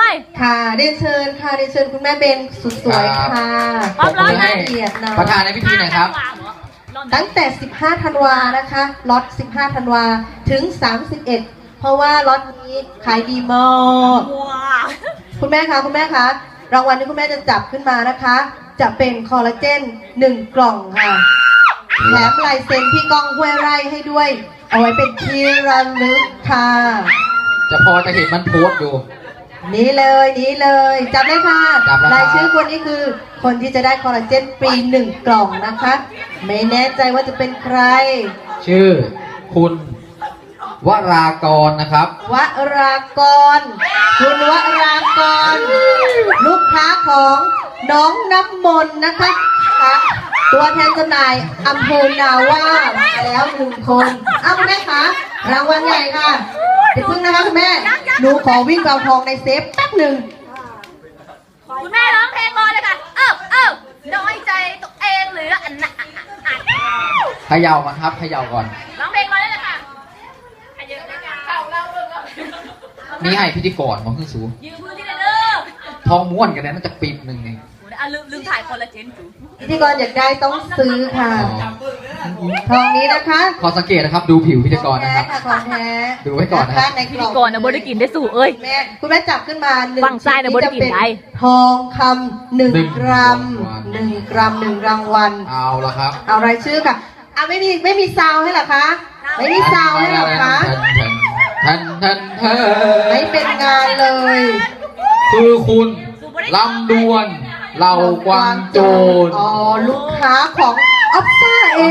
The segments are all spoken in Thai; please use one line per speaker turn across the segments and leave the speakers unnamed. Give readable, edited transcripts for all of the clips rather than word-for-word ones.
ค่ะเรียนเชิญค่ะเรียนเชิญคุณแม่เบนสุดสวยค่ะ
ขอบคุณให้
เกียรตินะ
ประธานในพิธีหน่อยครับ
ตั้งแต่ 15 ธันวานะคะล็อต 15 ธันวาถึง 31 เพราะว่าล็อตนี้ขายดีมากคุณแม่คะคุณแม่คะรางวัลที่คุณแม่จะจับขึ้นมานะคะ จะเป็นคอลลาเจน1 กล่องค่ะแถมลายเซ็นพี่ก้องห้วยไร่ให้ด้วย เอาไว้เป็นที่ระลึกค่ะ
จะพอจะเห็นมันโพสต์อยู่
นี่เลยจับเลยค่ะ
จับแล้วครับ
รายชื่อคนนี้คือคนที่จะได้คอลลาเจนฟรี1 กล่องนะคะ ไม่แน่ใจว่าจะเป็นใคร
ชื่อคุณวรากรนะครับ
วรากร คุณวรากร ลูกค้าของน้องน้ำมนต์นะคะตัวแทนจำหน่ายอำเภอนาว่ามาแล้ว1 คนเอาคุณแม่คะรางวัลใหญ่ค่ะเดี๋ยวพึ่งนะคะคุณแม่หนูขอวิ่งเอาทองในเซฟแป๊บหนึ่ง
คุณแม่ร้องเพลงรอเลยค่ะน้อยใจตัวเองหรืออันน่ะ
เขย่าก่อนครับเขย่าก่อน
ร้องเพลงรอเลยค่ะเข้าเล่าเรื่องแล้ว
นี่ให้พิธีกรของขึ้นสู
ยืมพื้นที่เลยเด้อ
ทองม้วนกันนะน่าจะปีบหนึ่งเอง
ลืมถ่ายคอลลาเจนจู
พิธีกรอยากได้ต้องซื้อค่ะทองนี้นะคะ
ขอสังเกตนะครับดูผิวพิธีกรนะครับ
ของแท้
ดูไว้ก่อนนะครับ
ในกล่อง
ก่อนนะบริกินได้สู่เอ้ย
คุณแม่จับขึ้นมา1
ฝั่งซ้ายนะบริกินได้
ทองคำ1 กรัม1 กรัม1 รางวัล
เอาละครับ
เอารายชื่อค่ะไม่มีซาวให้เหรอคะไม่มีซาวให้เหรอคะ
ทัน
ไม่เป็นงานเลย
คือคุณลำดวนเหล่ากวางโจร
อ๋อลูกค้าของออฟซ่าเอง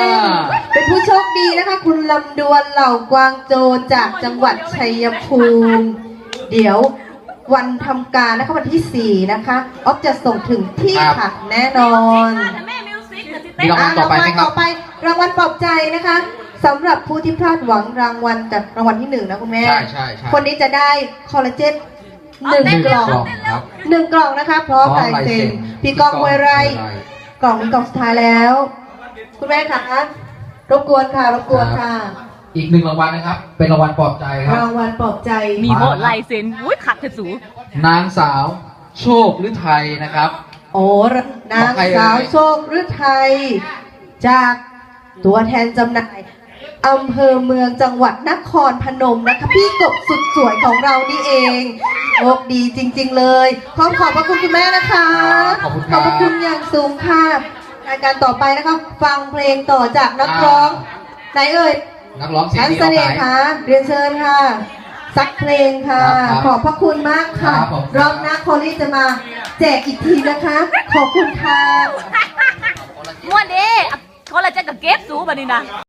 เป็นผู้โชคดีนะคะ คุณลำดวนเหล่ากวางโจรจากจังหวัดชัยภูมิ เดี๋ยววันทำการนะคะวันที่ 4 นะคะออฟจะส่งถึงที่ค่ะแน่นอน
แม่มิวสิกนะที่
มีรางวัลต่อไปไหมครับ
ต่อไปรางวัลปลอบใจนะคะสำหรับผู้ที่พลาดหวังรางวัลจากรางวัลที่ 1นะคุณแม่
ใช่
คนนี้จะได้คอลลาเจน1 กล่อง
ครับ
1 กล่องนะคะพร้อมลายเซ็นพี่ก้องห้วยไร่กล่องนี้กล่องสุดท้ายแล้ว คุณแม่คะรบกวนค่ะ
อีก1 รางวัลนะครับ เป็นรางวัลปลอบใจครับ
รางวัลปลอบใจ
มีหมดลายเซ็นอุ้ยขัดเธอสู
นางสาวโชคฤทัยนะครับ
โอ้นางสาวโชคฤทัยจากตัวแทนจำหน่ายอำเภอเมืองจังหวัดนครพนมนะคะพี่กบสุดสวยของเรานี่เองโชคดีจริงๆเลยขอบพระคุณคุณแม่นะคะ
ขอบคุณ
ข
ครั
อบบ พระคุณอย่างสูงค่ะรายการต่อไปนะคะฟังเพลงต่อจากนักร้องไหนเอ่ย
นักร้องเสียง
ชั้น
ดี
เส
เอา
น่
ไหน
ห์ค่ะเรียนเชิญค่ะสักเพลงค่ะ
ครับ
ขอบพระคุณมากค่ะ
ครับผม
รอบหน้าโคลี่จะมาแจกอีกทีนะคะ ขอบคุณค่ะ
ม้วนดิคอลลาเจนกับเก็บสูบันนี้นะ